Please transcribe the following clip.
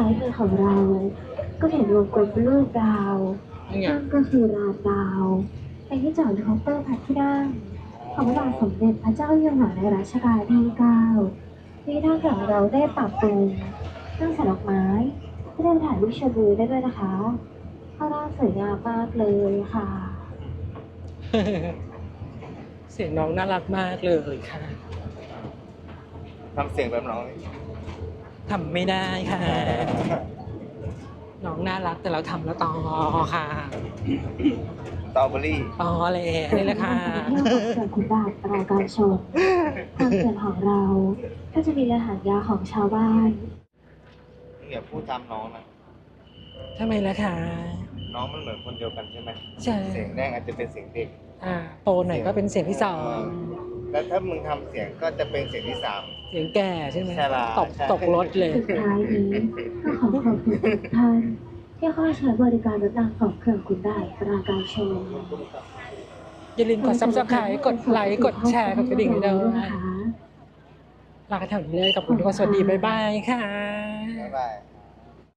ซ้ายมือของเราก็เห็นวงกลมเป็นรูปดาวนั่นก็คือลานดาวเป็นที่จอดเคาน์เตอร์พระที่นั่งของพระบาทสมเด็จพระเจ้าอยู่หัวในรัชกาลที่9ที่นั่งของเราได้ปรับปรุงนั่งใส่ดอกไม้ที่ได้ถ่ายรูปเชิญวิวได้ด้วยนะคะข้างล่างสวยงามมากเลยค่ะเสียงน้องน่ารักมากเลยค่ะทำเสียงแบบน้องนี่ทำไม่ได้ค่ะ น้องน่ารักแต่เราทำแล้วต่อค่ะสตรอเบอรี่ต่อเลยนี่แหละค่ะเที่ยวของเขื่อนขุนด่านปราการชนทางเขื่อนของเราก็จะมีเรือหางยาวของชาวบ้านอย่าพูดตามน้องนะทำไมล่ะคะน้องมันเหมือนคนเดียวกันใช่ไหมใช่เสียงแรกอาจจะเป็นเสียงเด็กโตหน่อยก็เป็นเสียงที่สองแล้วถ้ามึงทำเสียงก็จะเป็นเสียงที่สามเสียงแก่ใช่ไหมใช่ล่ะตกใช่ตกรถเลยสุดท้ายนี้ก็ขอขอบคุณทุกท่านที่เข้าใช้บริการรถรางของเขื่อนขุนด่านปราการชนอย่าลืมกด subscribe กดไลค์กดแชร์กดกระดิ่งด้วยนะนะคะ ลากันแถวนี้เลยกับคุณทุกคนสวัสดีบ๊ายบายค่ะบ๊ายบาย